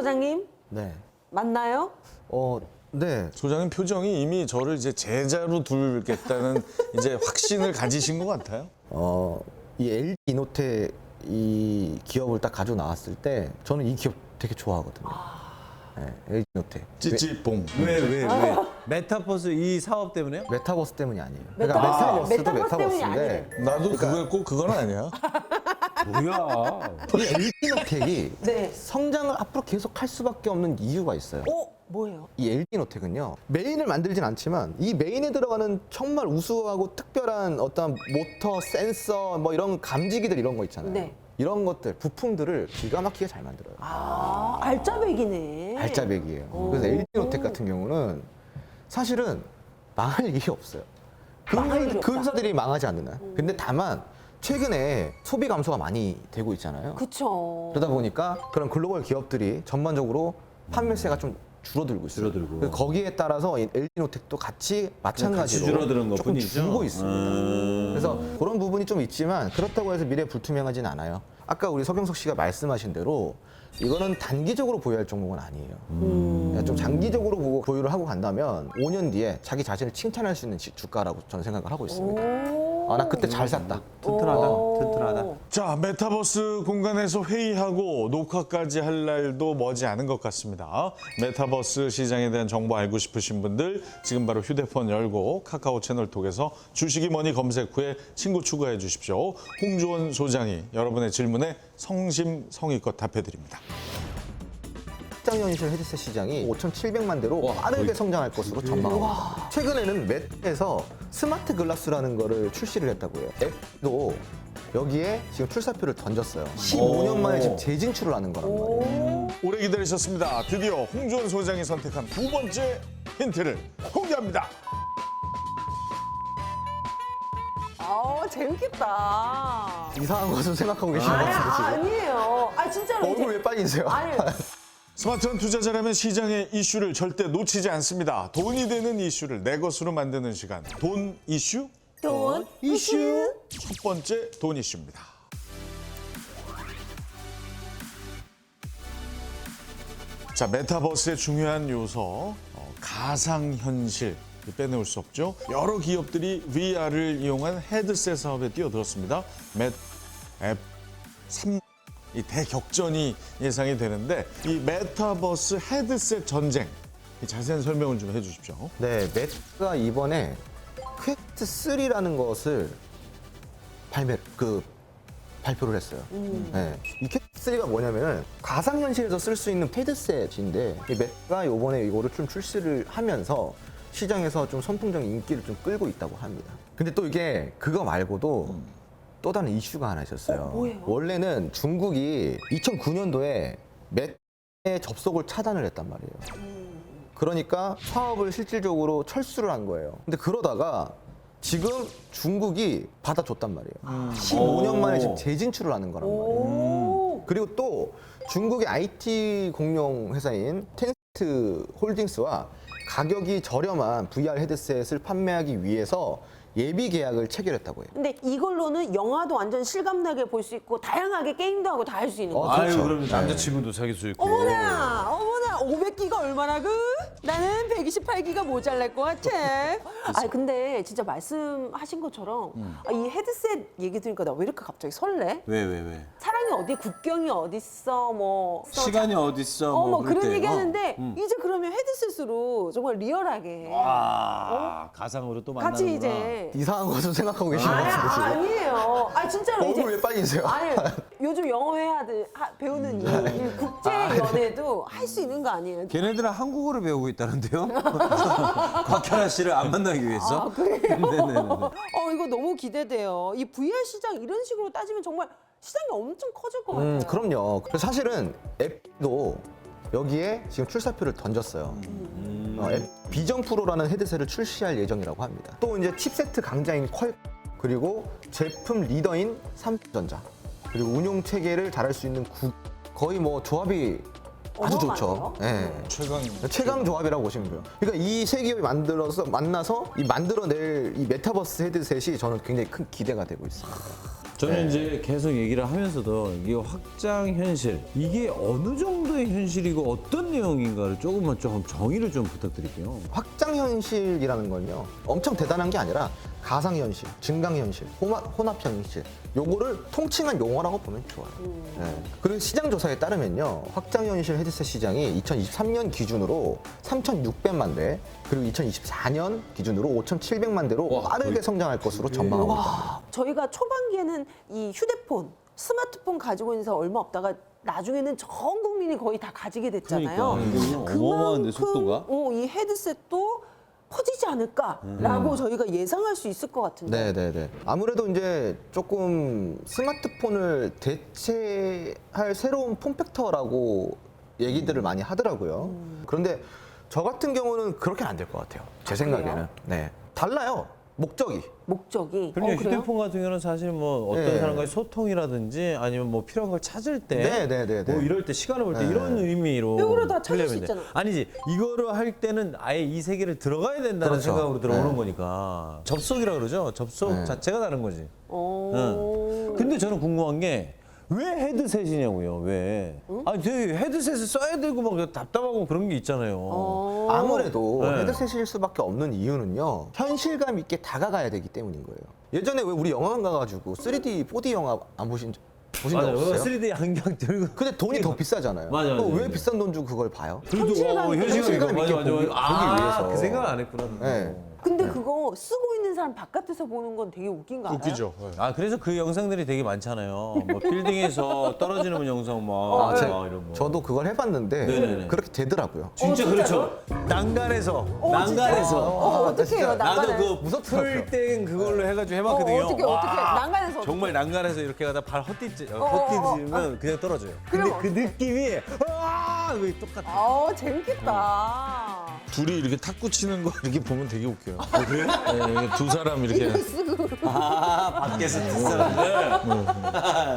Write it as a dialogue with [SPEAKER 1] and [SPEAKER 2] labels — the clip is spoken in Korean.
[SPEAKER 1] 소장님
[SPEAKER 2] 네.
[SPEAKER 1] 맞나요?
[SPEAKER 2] 네.
[SPEAKER 3] 소장님 표정이 이미 저를 이제 제자로 두겠다는 이제 확신을 가지신 것 같아요.
[SPEAKER 2] 이 LG 이노텍 이 기업을 딱 가지고 나왔을 때 저는 이 기업 되게 좋아하거든요. 네, LG 이노텍.
[SPEAKER 3] 찌찌뽕.
[SPEAKER 4] 왜? 메타버스 이 사업 때문에요?
[SPEAKER 2] 메타버스 때문이 아니에요.
[SPEAKER 1] 메타버스 때문이
[SPEAKER 2] 메타버스인데
[SPEAKER 3] 나도 꼭 그건 아니야.
[SPEAKER 4] 뭐야?
[SPEAKER 2] 이 LG 이노텍이
[SPEAKER 1] 네.
[SPEAKER 2] 성장을 앞으로 계속 할 수밖에 없는 이유가 있어요.
[SPEAKER 1] 뭐예요?
[SPEAKER 2] 이 LG 이노텍은요, 메인을 만들진 않지만 이 메인에 들어가는 정말 우수하고 특별한 어떤 모터, 센서, 뭐 이런 감지기들 이런 거 있잖아요.
[SPEAKER 1] 네.
[SPEAKER 2] 이런 것들, 부품들을 기가 막히게 잘 만들어요.
[SPEAKER 1] 알짜배기네.
[SPEAKER 2] 알짜배기예요. 그래서 LG 이노텍 같은 경우는 사실은 망할 일이 없어요.
[SPEAKER 1] 망할 일이
[SPEAKER 2] 그
[SPEAKER 1] 없다.
[SPEAKER 2] 회사들이 망하지 않는 한. 근데 다만 최근에 소비 감소가 많이 되고 있잖아요.
[SPEAKER 1] 그쵸.
[SPEAKER 2] 그러다 보니까 그런 글로벌 기업들이 전반적으로 판매세가 좀 줄어들고 있어요.
[SPEAKER 4] 줄어들고.
[SPEAKER 2] 그래서 거기에 따라서 이 LG 이노텍도 같이 마찬가지로
[SPEAKER 4] 줄어드는 것
[SPEAKER 2] 조금
[SPEAKER 4] 뿐이죠.
[SPEAKER 2] 줄고 있습니다. 그래서 그런 부분이 좀 있지만 그렇다고 해서 미래 불투명하진 않아요. 아까 우리 서경석 씨가 말씀하신 대로 이거는 단기적으로 보유할 종목은 아니에요. 좀 장기적으로 보유를 하고 간다면 5년 뒤에 자기 자신을 칭찬할 수 있는 주가라고 저는 생각을 하고 있습니다. 나 그때 잘 샀다.
[SPEAKER 4] 튼튼하다.
[SPEAKER 3] 자, 메타버스 공간에서 회의하고 녹화까지 할 날도 머지 않은 것 같습니다. 메타버스 시장에 대한 정보 알고 싶으신 분들 지금 바로 휴대폰 열고 카카오 채널 통해서 주식이 뭐니 검색 후에 친구 추가해 주십시오. 홍주원 소장이 여러분의 질문에 성심성의껏 답해드립니다.
[SPEAKER 2] 확장현실 헤드셋 시장이 5,700만 대로 빠르게 성장할 것으로 전망합니다. 최근에는 맷에서 스마트 글라스라는 거를 출시를 했다고 해요. 앱도 여기에 지금 출사표를 던졌어요. 15년 만에 지금 재진출을 하는 거란 말이에요.
[SPEAKER 3] 오래 기다리셨습니다. 드디어 홍주원 소장이 선택한 두 번째 힌트를 공개합니다.
[SPEAKER 1] 재밌겠다.
[SPEAKER 2] 이상한 것을 생각하고 계신 것 같은데 지금.
[SPEAKER 1] 아니에요. 진짜로.
[SPEAKER 2] 얼굴 왜 빨개지세요?
[SPEAKER 1] 아니,
[SPEAKER 3] 스마트한 투자자라면 시장의 이슈를 절대 놓치지 않습니다. 돈이 되는 이슈를 내 것으로 만드는 시간. 돈 이슈?
[SPEAKER 1] 돈 이슈.
[SPEAKER 3] 첫 번째 돈 이슈입니다. 자, 메타버스의 중요한 요소, 가상현실. 빼놓을 수 없죠. 여러 기업들이 VR을 이용한 헤드셋 사업에 뛰어들었습니다. 앱 3. 이 대격전이 예상이 되는데 이 메타버스 헤드셋 전쟁 자세한 설명을 좀 해주십시오.
[SPEAKER 2] 네, 맷가 이번에 퀘스트 3라는 것을 발표를 했어요. 네. 이 퀘스트 3가 뭐냐면은 가상현실에서 쓸 수 있는 헤드셋인데 이 맷가 이번에 이거를 좀 출시를 하면서 시장에서 좀 선풍적인 인기를 좀 끌고 있다고 합니다. 근데 또 이게 그거 말고도 또 다른 이슈가 하나 있었어요.
[SPEAKER 1] 뭐예요?
[SPEAKER 2] 원래는 중국이 2009년도에 맷의 접속을 차단을 했단 말이에요. 그러니까 사업을 실질적으로 철수를 한 거예요. 근데 그러다가 지금 중국이 받아줬단 말이에요. 15년 만에 지금 재진출을 하는 거란 말이에요. 그리고 또 중국의 IT 공룡 회사인 텐센트 홀딩스와 가격이 저렴한 VR 헤드셋을 판매하기 위해서 예비 계약을 체결했다고 해요.
[SPEAKER 1] 근데 이걸로는 영화도 완전 실감나게 볼 수 있고 다양하게 게임도 하고 다 할 수 있는 거죠.
[SPEAKER 2] 그렇죠.
[SPEAKER 4] 그럼 남자친구도 사귈 수 있고.
[SPEAKER 1] 어머나 500기가 얼마나 나는 128기가 모자랄 것 같아. 근데 진짜 말씀하신 것처럼 이 헤드셋 얘기 들으니까 나 왜 이렇게 갑자기 설레?
[SPEAKER 4] 왜?
[SPEAKER 1] 사랑이 어디, 국경이 어딨어, 뭐
[SPEAKER 4] 시간이 어딨어?
[SPEAKER 1] 뭐
[SPEAKER 4] 그럴
[SPEAKER 1] 그런
[SPEAKER 4] 때.
[SPEAKER 1] 얘기 하는데 이제 그러면 헤드셋으로 정말 리얼하게
[SPEAKER 4] 가상으로 또 만나는구나.
[SPEAKER 1] 같이 이제
[SPEAKER 2] 이상한 것을 생각하고 계신 것 같은데 지금.
[SPEAKER 1] 아니에요. 진짜로 이제
[SPEAKER 2] 얼굴 왜 빨개지세요?
[SPEAKER 1] 아니 요즘 영어 배우는 이 국제 연애도 할 수 있는 거 아니에요?
[SPEAKER 4] 걔네들은 한국어를 배우고 있다는데요? 곽현아 씨를 안 만나기 위해서?
[SPEAKER 1] 그래요?
[SPEAKER 4] 네네네.
[SPEAKER 1] 이거 너무 기대돼요. 이 VR 시장 이런 식으로 따지면 정말 시장이 엄청 커질 것 같아요.
[SPEAKER 2] 그럼요. 그래서 사실은 앱도 여기에 지금 출사표를 던졌어요. 앱 비전 프로라는 헤드셋을 출시할 예정이라고 합니다. 또 이제 칩세트 강자인 퀄 그리고 제품 리더인 삼성전자 그리고 운용 체계를 잘할 수 있는 거의 뭐 조합이 아주 좋죠. 네. 최강 조합이라고 보시면 돼요. 그러니까 이 세 기업이 만나서 이 만들어낼 이 메타버스 헤드셋이 저는 굉장히 큰 기대가 되고 있습니다.
[SPEAKER 4] 저는 이제 계속 얘기를 하면서도 이게 확장 현실, 이게 어느 정도의 현실이고 어떤 내용인가를 조금만 좀 정의를 좀 부탁드릴게요.
[SPEAKER 2] 확장 현실이라는 건요. 엄청 대단한 게 아니라 가상 현실, 증강 현실, 혼합 현실 요거를 통칭한 용어라고 보면 좋아요. 네. 그리고 시장 조사에 따르면요. 확장 현실 헤드셋 시장이 2023년 기준으로 3,600만 대, 그리고 2024년 기준으로 5,700만 대로 빠르게 성장할 것으로 전망하고 있습니다.
[SPEAKER 1] 저희가 초반기에는 이 휴대폰, 스마트폰 가지고 있는 사람 얼마 없다가 나중에는 전 국민이 거의 다 가지게 됐잖아요.
[SPEAKER 5] 그러니까 어마어마한데, 속도가?
[SPEAKER 1] 이 헤드셋도 퍼지지 않을까라고 저희가 예상할 수 있을 것 같은데.
[SPEAKER 2] 네네네. 아무래도 이제 조금 스마트폰을 대체할 새로운 폼팩터라고 얘기들을 많이 하더라고요. 그런데 저 같은 경우는 그렇게는 안 될 것 같아요. 제 생각에는.
[SPEAKER 1] 그래요?
[SPEAKER 2] 네. 달라요. 목적이.
[SPEAKER 1] 목적이.
[SPEAKER 4] 그럼요.
[SPEAKER 1] 그래요?
[SPEAKER 4] 휴대폰 같은 경우는 사실 뭐 어떤
[SPEAKER 2] 네.
[SPEAKER 4] 사람과의 소통이라든지 아니면 뭐 필요한 걸 찾을 때,
[SPEAKER 2] 네.
[SPEAKER 4] 뭐 이럴 때 시간을 볼 때
[SPEAKER 2] 네.
[SPEAKER 4] 이런 의미로
[SPEAKER 1] 이거를 다 찾을 수
[SPEAKER 4] 하려면 돼.
[SPEAKER 1] 있잖아.
[SPEAKER 4] 아니지, 이거를 할 때는 아예 이 세계를 들어가야 된다는
[SPEAKER 2] 그렇죠.
[SPEAKER 4] 생각으로 들어오는
[SPEAKER 2] 네.
[SPEAKER 4] 거니까 접속이라 그러죠. 접속
[SPEAKER 2] 네.
[SPEAKER 4] 자체가 다른 거지.
[SPEAKER 1] 어.
[SPEAKER 4] 근데 저는 궁금한 게 왜 헤드셋이냐고요? 왜? 아니 되게 헤드셋을 써야 되고 막 답답하고 그런 게 있잖아요.
[SPEAKER 2] 아무래도
[SPEAKER 4] 네.
[SPEAKER 2] 헤드셋일 수밖에 없는 이유는요. 현실감 있게 다가가야 되기 때문인 거예요. 예전에 왜 우리 영화관 가가지고 3D, 4D 영화 안 보신 적
[SPEAKER 4] 맞아요.
[SPEAKER 2] 없어요?
[SPEAKER 4] 3D 안경 들고.
[SPEAKER 2] 근데 돈이 더 비싸잖아요.
[SPEAKER 4] 맞아요,
[SPEAKER 2] 또
[SPEAKER 4] 맞아요.
[SPEAKER 2] 왜 비싼 돈 주고 그걸 봐요?
[SPEAKER 1] 현실감 있게
[SPEAKER 2] 현실감 있게 보기 위해서.
[SPEAKER 4] 그 생각 안 했구나.
[SPEAKER 2] 네.
[SPEAKER 1] 근데 그거 쓰고 있는 사람 바깥에서 보는 건 되게 웃긴 거 알아요?
[SPEAKER 3] 웃기죠. 네.
[SPEAKER 4] 아 그래서 그 영상들이 되게 많잖아요. 뭐 빌딩에서 떨어지는 영상 막,
[SPEAKER 2] 제-
[SPEAKER 4] 막 이런 거.
[SPEAKER 2] 저도 그걸 해봤는데
[SPEAKER 4] 네네네.
[SPEAKER 2] 그렇게 되더라고요.
[SPEAKER 4] 진짜 그렇죠. 난간에서 난간에서.
[SPEAKER 1] 어떻게 해요?
[SPEAKER 2] 진짜.
[SPEAKER 4] 나도
[SPEAKER 1] 난간을?
[SPEAKER 4] 그 풀땡 그걸로 해가지고 해봤거든요.
[SPEAKER 1] 어떻게
[SPEAKER 4] 와,
[SPEAKER 1] 난간에서 어떻게?
[SPEAKER 4] 정말 난간에서 이렇게 가다 발 헛디지면 그냥 떨어져요. 근데
[SPEAKER 1] 그럼
[SPEAKER 4] 그 느낌이 그게 똑같아.
[SPEAKER 1] 재밌겠다.
[SPEAKER 3] 둘이 이렇게 탁구 치는 거 이렇게 보면 되게 웃겨요. 그래요? 네, 두 사람 이렇게.
[SPEAKER 1] 쓰고.
[SPEAKER 4] 밖에서 뒷사람들.